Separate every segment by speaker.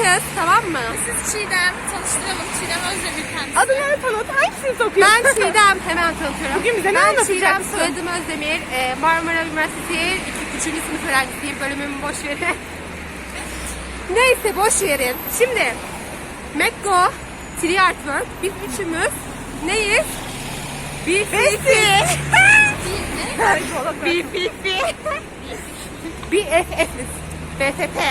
Speaker 1: kız, tamam mı?
Speaker 2: Siz Çiğdem, tanıştıralım. Çiğdem Özdemir kendisi.
Speaker 3: Adını tanıt. Hangisini sokuyorsun?
Speaker 1: Ben Çiğdem, hemen tanıtıyorum.
Speaker 3: Bugün bize ne
Speaker 1: Ben
Speaker 3: anlatacaksın?
Speaker 1: Çiğdem, soyadım Özdemir. Marmara Üniversitesi 3. sınıf öğrencisiyim. Bölümümü boş verin. Neyse boş verin. Şimdi Mekko, Tree Artwork, biz üçümüz neyiz? BFF'iz. BFF'iz. BFF.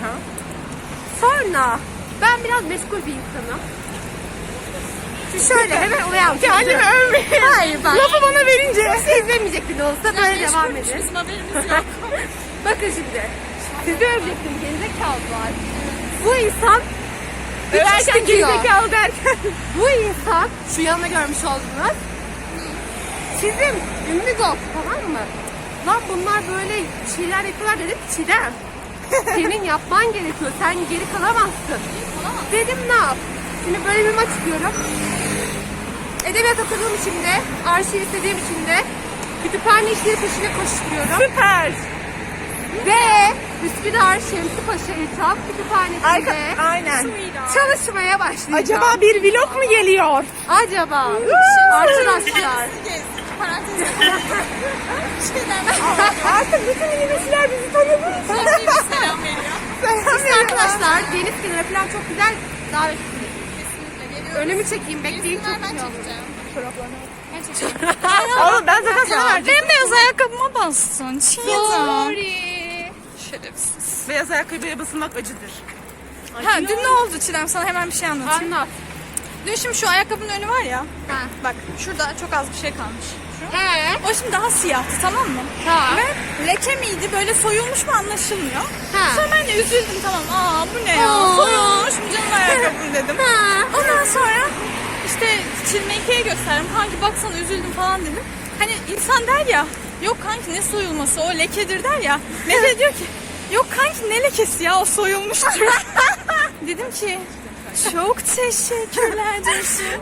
Speaker 1: Sonra ben biraz meşgul bir insanım. Şimdi şöyle hemen olaya
Speaker 3: Kendimi övmeyin.
Speaker 1: Hayır bak.
Speaker 3: Lafı bana verince.
Speaker 1: Kimse izlemeyecek bile olsa böyle devam edin.
Speaker 2: Bizim haberimiz yok.
Speaker 1: Bakın şimdi. Sizi övecektim gerizekalılar. Bu insan
Speaker 3: Överken
Speaker 1: diyor.
Speaker 3: gerizekalı derken.
Speaker 1: Bu insan şu yanına görmüş oldunuz. Çizim, ünlü gol, tamam mı? Lan bunlar böyle şeyler yapıyorlar dedim ki Çiğdem. Senin yapman gerekiyor. Sen geri kalamazsın. Dedim ne yap? Şimdi bölümümü açıklıyorum. Edebiyat okuduğum için de, arşiv istediğim için de kütüphane işleri peşine koşturuyorum.
Speaker 3: Süper.
Speaker 1: Ve Üsküdar Şemsi Paşa İlçap Kütüphanesi'nde
Speaker 3: Aynen.
Speaker 1: çalışmaya başlayacağım.
Speaker 3: Acaba bir vlog mu geliyor?
Speaker 1: Acaba arkadaşlar
Speaker 2: Parantez. Çiğdem.
Speaker 3: Artık bütün üniversiteler bizi tanıdı.
Speaker 2: Selam veriyor.
Speaker 1: biz arkadaşlar deniz kenarı falan çok güzel davetlisiniz.
Speaker 2: Kesinlikle geliyoruz.
Speaker 1: Önümü çekeyim bekleyin çok
Speaker 2: Ben
Speaker 1: güzel olur.
Speaker 2: çekeceğim.
Speaker 3: Oğlum ben zaten sana vereceğim.
Speaker 2: Bembeyaz ayakkabıma bastın. Çiğdem.
Speaker 1: Sorry.
Speaker 2: Şerefsiz.
Speaker 3: Beyaz ayakkabıya basılmak acıdır.
Speaker 2: Ha, dün ne oldu Çiğdem? Sana hemen bir şey anlatayım.
Speaker 1: Anlat.
Speaker 2: Dün şimdi şu ayakkabının önü var ya.
Speaker 1: Ha.
Speaker 2: Bak şurada çok az bir şey kalmış. Şu.
Speaker 1: He.
Speaker 2: O şimdi daha siyahtı, tamam mı?
Speaker 1: Tamam.
Speaker 2: Ve leke miydi, böyle soyulmuş mu anlaşılmıyor.
Speaker 1: Ha.
Speaker 2: Sonra ben de üzüldüm, tamam. Aa bu ne ya?
Speaker 1: Aa.
Speaker 2: Soyulmuş mu canım ayakkabım dedim.
Speaker 1: Ha.
Speaker 2: Ondan sonra işte Çilmeke'ye gösterdim. Kanki baksana üzüldüm falan dedim. Hani insan der ya, yok kanki ne soyulması, o lekedir der ya. Mete diyor ki, yok kanki ne lekesi ya, o soyulmuştur. Dedim ki, çok teşekkürler Ceşim.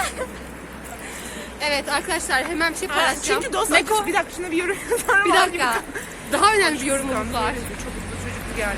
Speaker 1: Evet arkadaşlar hemen bir şey paylaşacağım.
Speaker 3: Çünkü dost
Speaker 2: Meko.
Speaker 3: acısı. Bir dakika şuna bir yorum yazar
Speaker 1: Bir dakika. Daha önemli bir yorumumuz var.
Speaker 3: Çok hızlı çocuklu geldi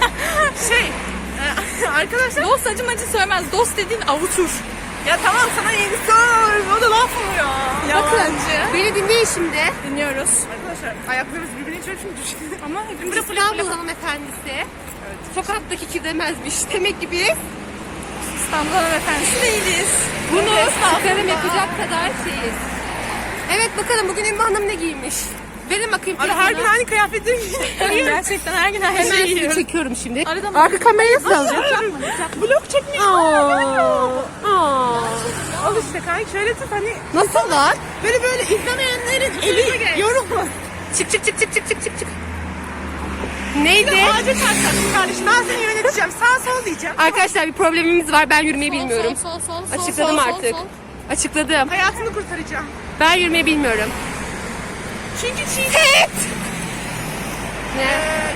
Speaker 3: arkadaşlar.
Speaker 2: Dost acımacı söylemez, dost dediğin avutur.
Speaker 3: Ya tamam sana yeni sor. O da laf mı ya?
Speaker 1: Bakın
Speaker 2: Yalancı.
Speaker 1: beni dinleyin şimdi.
Speaker 2: Dinliyoruz.
Speaker 3: Arkadaşlar ayaklarımız birbirine çarpmış.
Speaker 2: Ama hepimiz
Speaker 1: İstanbul hanımefendisi. Sokaktaki ki demezmiş. Demek ki biz
Speaker 2: İstanbul hanımefendisi değiliz.
Speaker 1: bunu çıkarım yapacak kadar şeyiz. Evet bakalım bugün Ümmü Hanım ne giymiş? Verin bakayım.
Speaker 3: Abi her gün
Speaker 1: telefonu.
Speaker 3: aynı kıyafetleri giyiyor.
Speaker 2: Gerçekten her gün her
Speaker 1: Hemen
Speaker 2: şeyi
Speaker 1: sizi
Speaker 2: yiyorum.
Speaker 1: çekiyorum şimdi.
Speaker 2: Arada mı?
Speaker 1: Arka kamerayı nasıl alacağım?
Speaker 3: Vlog çekmiyor. Al işte kanka şöyle tut hani
Speaker 1: Nasıl lan?
Speaker 3: böyle izlemeyenlerin eli yorulmasın.
Speaker 1: Çık çık çık çık çık çık çık çık. Neydi?
Speaker 3: Ağaca çarpacaksın kardeşim. Ben seni yöneteceğim. Sağ sol diyeceğim.
Speaker 1: Arkadaşlar bir problemimiz var. Ben yürümeyi bilmiyorum.
Speaker 2: Sol.
Speaker 1: Açıkladım artık. Açıkladım.
Speaker 3: Hayatını kurtaracağım.
Speaker 1: Ben yürümeyi bilmiyorum.
Speaker 3: Çünkü
Speaker 1: Evet. Ne?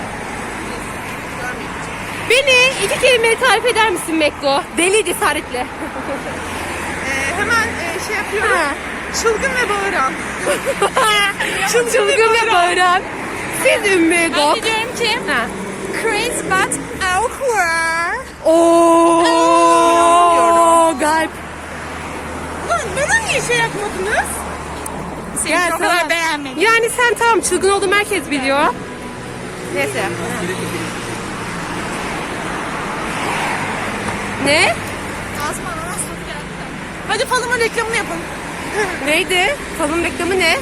Speaker 1: Beni iki kelimeyle tarif eder misin Mekko? Deli cesaretle.
Speaker 3: Hemen şey yapıyorum.
Speaker 1: Ha.
Speaker 3: Çılgın ve bağıran.
Speaker 1: Çılgın ve bağıran. Siz Ümmü
Speaker 2: Ben
Speaker 1: Gok.
Speaker 2: de diyorum ki,
Speaker 1: Ha.
Speaker 2: crazy but awkward.
Speaker 1: Ooo galp.
Speaker 3: Lan bana niye şey yapmadınız?
Speaker 2: Seni o kadar
Speaker 1: sana-
Speaker 2: beğenmedim.
Speaker 1: Yani sen tamam çılgın olduğumu herkes biliyor. Neyse. Ne?
Speaker 2: Ağzıma ananas tadı geldi.
Speaker 3: Hadi falıma reklamını yapalım.
Speaker 1: Neydi? Falın reklamı ne?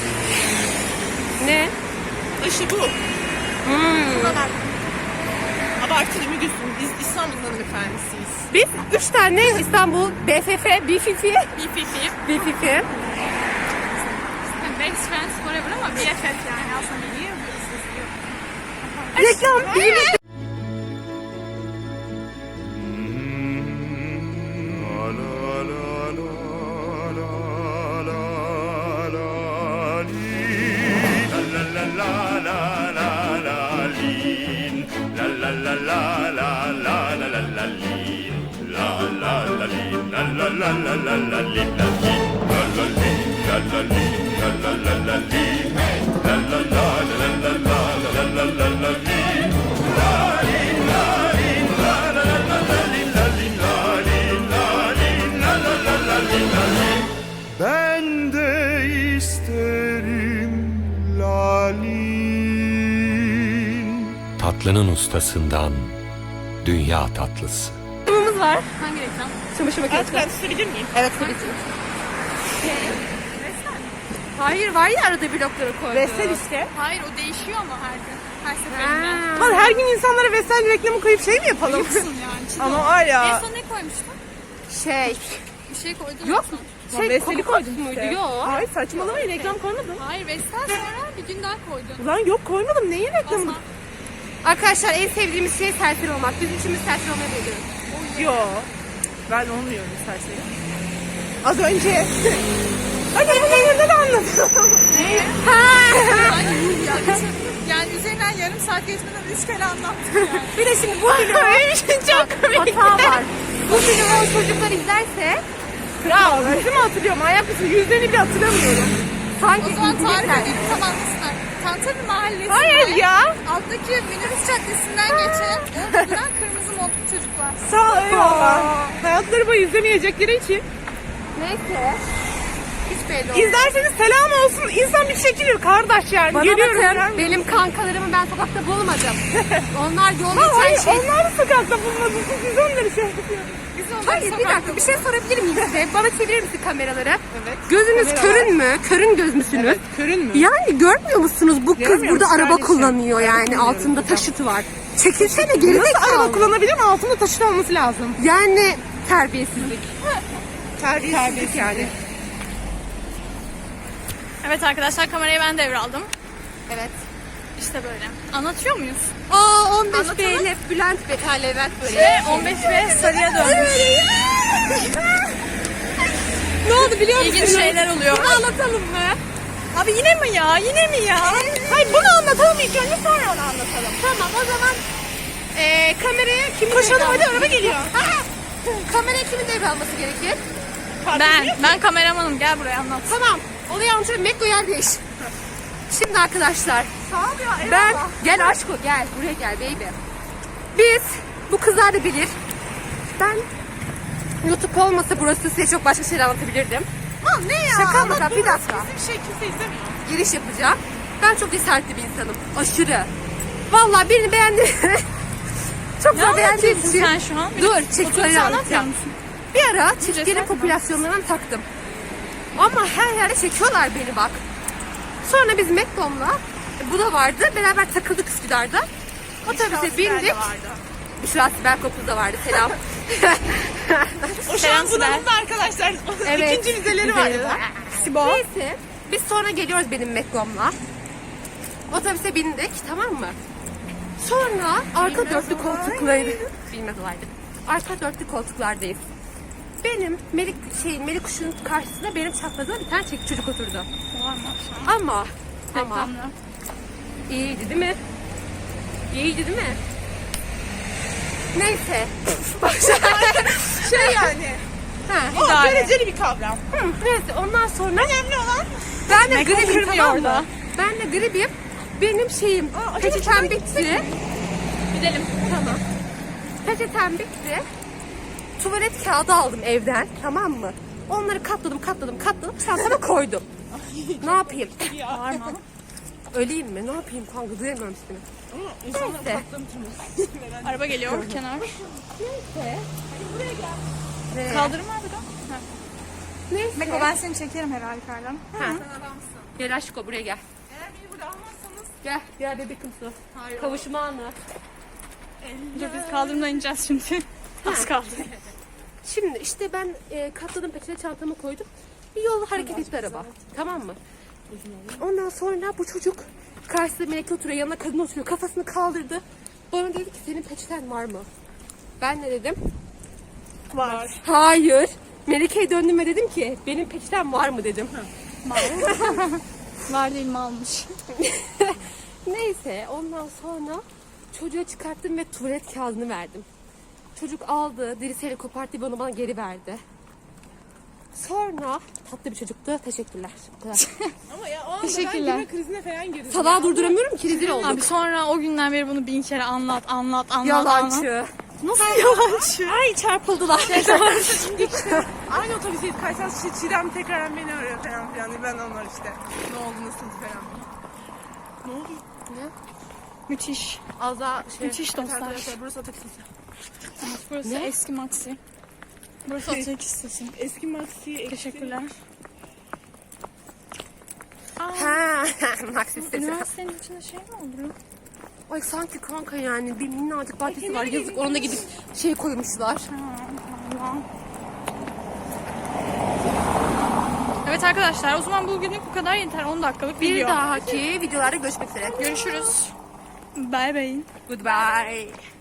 Speaker 1: Ne?
Speaker 3: İşte bu.
Speaker 1: Hmm.
Speaker 3: Abartılı mı gülsün? Biz İstanbul'un hanımefendisiyiz.
Speaker 1: Biz 3 tane İstanbul BFF, BFF, BFF.
Speaker 2: Best friends forever ama BFF yani aslında biliyor musunuz?
Speaker 1: Reklam. Bizim
Speaker 4: Tatlının ustasından dünya tatlısı.
Speaker 1: Reklamımız var.
Speaker 2: Hangi reklam?
Speaker 1: Çamaşır
Speaker 3: Evet,
Speaker 1: makinesi.
Speaker 3: ben sürebilir miyim?
Speaker 1: Evet tabii ki. Hayır var ya arada blokları koydu.
Speaker 3: Vestel işte.
Speaker 2: Hayır o değişiyor ama her gün. Her seferinde.
Speaker 3: Lan her gün insanlara Vestel reklamı koyup şey mi yapalım?
Speaker 2: Yoksun yani. Çiğ
Speaker 3: Ama
Speaker 2: ol.
Speaker 3: var
Speaker 2: En
Speaker 3: ya.
Speaker 2: son ne koymuştun?
Speaker 1: Şey.
Speaker 2: Bir şey koydun.
Speaker 1: Yok.
Speaker 2: mu?
Speaker 3: Şey, Vestel'i koydum
Speaker 1: muydu?
Speaker 3: işte.
Speaker 1: Yok.
Speaker 3: Hayır saçmalamayın, reklam koymadım.
Speaker 2: Hayır Vestel sonra bir gün daha koydun.
Speaker 3: Lan yok koymadım, neyin reklamı?
Speaker 2: Aslan.
Speaker 1: Arkadaşlar en sevdiğimiz şey serseri olmak. Bizim içimiz serseri olmayı biliyoruz.
Speaker 3: Yok. Ben olmuyorum isterseniz. Az önce. Hadi bunu yerinde de anlatalım.
Speaker 2: Yani üzerinden yarım saat geçmeden 3 kere anlattım yani.
Speaker 1: Bir de şimdi bu video çok komik. Hata var. Bu videoyu çocuklar izlerse
Speaker 3: Ya ben mi hatırlıyorum? Ayak mısın? Yüzlerini bile hatırlamıyorum.
Speaker 1: sanki
Speaker 2: O zaman tarif
Speaker 1: izleyecekler.
Speaker 2: edeyim tam anlasınlar. Tantalı mahallesinde
Speaker 3: Hayır ya.
Speaker 2: alttaki minibüs caddesinden geçen orada duran kırmızı montlu çocuklar.
Speaker 3: Sağ ol, eyvallah. Hayatları boyu izlemeyecekleri için.
Speaker 1: Neyse. Hiç belli olmaz.
Speaker 3: İzlerseniz selam olsun. İnsan bir çekilir kardeş yani.
Speaker 1: Bana
Speaker 3: Geliyorum
Speaker 1: bakın
Speaker 3: yani.
Speaker 1: benim kankalarımı ben sokakta bulmadım. Onlar yolda
Speaker 3: Hayır,
Speaker 1: geçen şey.
Speaker 3: onlar da sokakta bulmadınız. Siz onları şey yapıyorsunuz.
Speaker 2: Biz onları
Speaker 1: Hayır bir
Speaker 2: sokakta
Speaker 1: dakika bir şey sorabilir miyim size? Bana çevirir misin kameraları?
Speaker 3: Evet.
Speaker 1: Gözünüz
Speaker 3: Kamera
Speaker 1: körün mü? Körün göz müsünüz?
Speaker 3: Evet, körün mü?
Speaker 1: Yani görmüyor musunuz? Bu kız
Speaker 3: Görmüyor
Speaker 1: burada
Speaker 3: musun
Speaker 1: araba
Speaker 3: kardeşim?
Speaker 1: kullanıyor yani.
Speaker 3: Bilmiyorum
Speaker 1: Altında
Speaker 3: hocam.
Speaker 1: taşıtı var. Çekilsene geri
Speaker 3: Nasıl araba
Speaker 1: zekalı.
Speaker 3: kullanabilir mi? Altında taşıt olması lazım.
Speaker 1: Yani terbiyesizlik.
Speaker 3: Terbiyesizlik yani.
Speaker 2: Evet arkadaşlar kamerayı ben devraldım.
Speaker 1: Evet.
Speaker 2: İşte böyle. Anlatıyor muyuz?
Speaker 1: Aa 15
Speaker 2: Anlatalım.
Speaker 1: B'yle Bülent Bey. Ha Levent böyle.
Speaker 2: Ve 15 ve sarıya dönmüş.
Speaker 1: Ne oldu biliyor musun?
Speaker 2: İlginç şeyler oluyor.
Speaker 1: Bunu anlatalım mı?
Speaker 2: Abi yine mi ya? Yine mi ya?
Speaker 3: Hayır bunu anlatalım ilk önce sonra onu anlatalım.
Speaker 1: Tamam o zaman kameraya kimin
Speaker 3: Koşalım
Speaker 1: devralması-
Speaker 3: hadi araba geliyor.
Speaker 1: Kameraya kimin devralması gerekir?
Speaker 2: Ben kameramanım. Gel buraya anlat.
Speaker 1: Tamam. Olayı anlatıyorum. Mekko yer değiş. Şimdi arkadaşlar.
Speaker 3: Sağ ol ya.
Speaker 1: Ben
Speaker 3: eyvallah.
Speaker 1: gel aşko gel buraya gel baby. Biz bu kızlar da bilir. Ben YouTube olmasa burası size çok başka şeyler anlatabilirdim.
Speaker 3: Lan ne ya?
Speaker 1: Şaka mı?
Speaker 3: Lan
Speaker 1: Bir
Speaker 3: dur,
Speaker 1: dakika.
Speaker 3: Bizim şey kimse izlemiyor.
Speaker 1: Giriş yapacağım. Ben çok cesaretli bir insanım. Aşırı. Vallahi birini beğendim. Çok
Speaker 2: Ne
Speaker 1: da beğendiğim
Speaker 2: anlatıyorsun
Speaker 1: için.
Speaker 2: sen şu an?
Speaker 1: Dur
Speaker 2: Otobüsü
Speaker 1: çiftleri
Speaker 2: anlatmıyor
Speaker 1: anlatacağım.
Speaker 2: musun?
Speaker 1: Bir ara çiftlerin
Speaker 2: cesaret mi?
Speaker 1: popülasyonlarına taktım. Ama her yerde çekiyorlar beni bak. Sonra biz Mekdom'la bu da vardı. Beraber takıldık Üsküdar'da. Otobüse bindik. Büşra Sibel Kopuz da vardı. Selam.
Speaker 3: O şu
Speaker 2: Selam
Speaker 3: an bunalımda arkadaşlar.
Speaker 1: Evet.
Speaker 3: İkinci vizeleri var.
Speaker 1: Vizeleri var.
Speaker 3: Sibo.
Speaker 1: Neyse. Biz sonra geliyoruz benim Mekdom'la. Otobüse bindik tamam mı? Sonra arka dörtlü koltukları bilmez olaydı. Arka dörtlü koltuklardayız. Benim Melik Kuş'un karşısında benim çaprazıma bir tane çekici çocuk oturdu. Ama
Speaker 2: Reklamla.
Speaker 1: iyiydi değil mi? İyiydi değil mi? Neyse.
Speaker 3: Şey yani.
Speaker 1: Ha.
Speaker 3: O
Speaker 2: İdare.
Speaker 3: göreceli bir kavram.
Speaker 1: Hı, neyse ondan sonra
Speaker 3: Önemli olan
Speaker 1: ben de
Speaker 2: Mekko
Speaker 1: gribim
Speaker 2: kırmıyor
Speaker 1: tamam
Speaker 2: orada.
Speaker 1: mı? Ben de gribim. Benim şeyim
Speaker 3: acaba
Speaker 1: peçetem
Speaker 3: şuraya
Speaker 1: bitti.
Speaker 2: Gidelim.
Speaker 1: Tamam. Peçetem bitti. Tuvalet kağıdı aldım evden tamam mı? Onları katladım çantama koydum. Ne yapayım?
Speaker 2: Bağırma.
Speaker 1: Öleyim mi? Ne yapayım kanka duyamıyorum seni.
Speaker 3: insanlar
Speaker 1: Neyse.
Speaker 2: Araba geliyor kenar.
Speaker 1: Neyse.
Speaker 2: Kaldırım var burada. Ha.
Speaker 1: Neyse.
Speaker 2: Meko ben seni çekerim her halükarda.
Speaker 1: Ha. Gel aşko buraya gel.
Speaker 3: Eğer beni burada almazsanız
Speaker 1: Gel bebekim su. Kavuşma anı.
Speaker 2: Dur biz kaldırımdan ineceğiz şimdi. Az kaldı.
Speaker 1: Şimdi işte ben katladım peçete çantamı koydum. Bir yolda hareket etti araba. Tamam mı? Ondan sonra bu çocuk karşısında Melike oturuyor, yanına kadın oturuyor. Kafasını kaldırdı. Bana dedi ki senin peçeten var mı? Ben ne dedim?
Speaker 3: var.
Speaker 1: Hayır. Melike'ye döndüm ve dedim ki benim peçetem var mı dedim.
Speaker 2: Var değil mi almış?
Speaker 1: Neyse ondan sonra çocuğa çıkarttım ve tuvalet kağıdını verdim. Çocuk aldı, dirisiyle koparttı bana geri verdi. Sonra tatlı bir çocuktu. Teşekkürler. Bu kadar.
Speaker 3: Ama ya o anda
Speaker 2: Teşekkürler.
Speaker 3: ben gülme krizine falan girdim.
Speaker 1: Salağı durduramıyorum ki rezil oldum.
Speaker 2: Abi sonra o günden beri bunu 1000 kere anlat.
Speaker 1: Yalancı. Nasıl yalancı? Ay çarpıldılar.
Speaker 3: Aynı otobüsteyiz. Kaysal Çiğdem tekrar beni arıyor falan filan. Ben onlar işte. Ne oldu nasıl falan. Ne oldu?
Speaker 2: Müthiş.
Speaker 1: Az daha şey.
Speaker 2: Müthiş dostlar.
Speaker 3: Arkadaşlar burası Atatürk Lisesi.
Speaker 2: Burası
Speaker 1: Ne?
Speaker 2: eski Maxi. Burası Atatürk Lisesi.
Speaker 3: Eski Maxi.
Speaker 2: Teşekkürler. Aa,
Speaker 1: Ha, Maxi sesi.
Speaker 2: üniversitenin içinde şey mi olur?
Speaker 1: Ay sanki kanka yani bir minnacık bahçesi var. Yazık ona gidip şey koymuşlar.
Speaker 2: Allah. Evet arkadaşlar, o zaman bugünlük bu kadar yeter. 10 dakikalık
Speaker 1: Bir
Speaker 2: video.
Speaker 1: dahaki videolarda görüşmek üzere.
Speaker 2: Görüşürüz. Bye bye.
Speaker 1: Goodbye.